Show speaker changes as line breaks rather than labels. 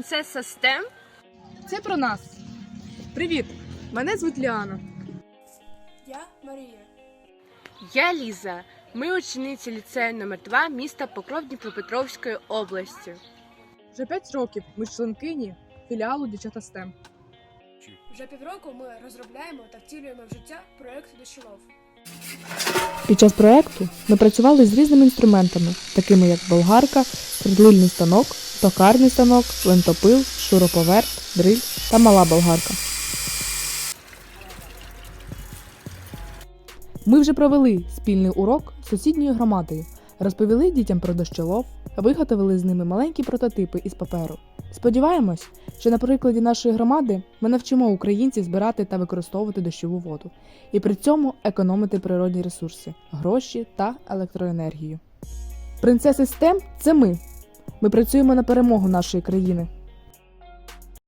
принцеса STEM?
Це про нас. Привіт! Мене звуть Ліана.
Я Марія.
Я Ліза. Ми учениці ліцею номер 2 міста Покров Дніпропетровської області.
Вже 5 років ми членкині філіалу Дівчата STEM.
Вже півроку ми розробляємо та втілюємо в життя проєкт «Дощолов».
Під час проєкту ми працювали з різними інструментами, такими як болгарка, свердлильний станок, токарний станок, лентопил, шуруповерт, дриль та мала болгарка. Ми вже провели спільний урок з сусідньою громадою, розповіли дітям про дощолов, виготовили з ними маленькі прототипи із паперу. Сподіваємось, що на прикладі нашої громади ми навчимо українців збирати та використовувати дощову воду і при цьому економити природні ресурси, гроші та електроенергію. Принцеси STEM – це ми. Ми працюємо на перемогу нашої країни.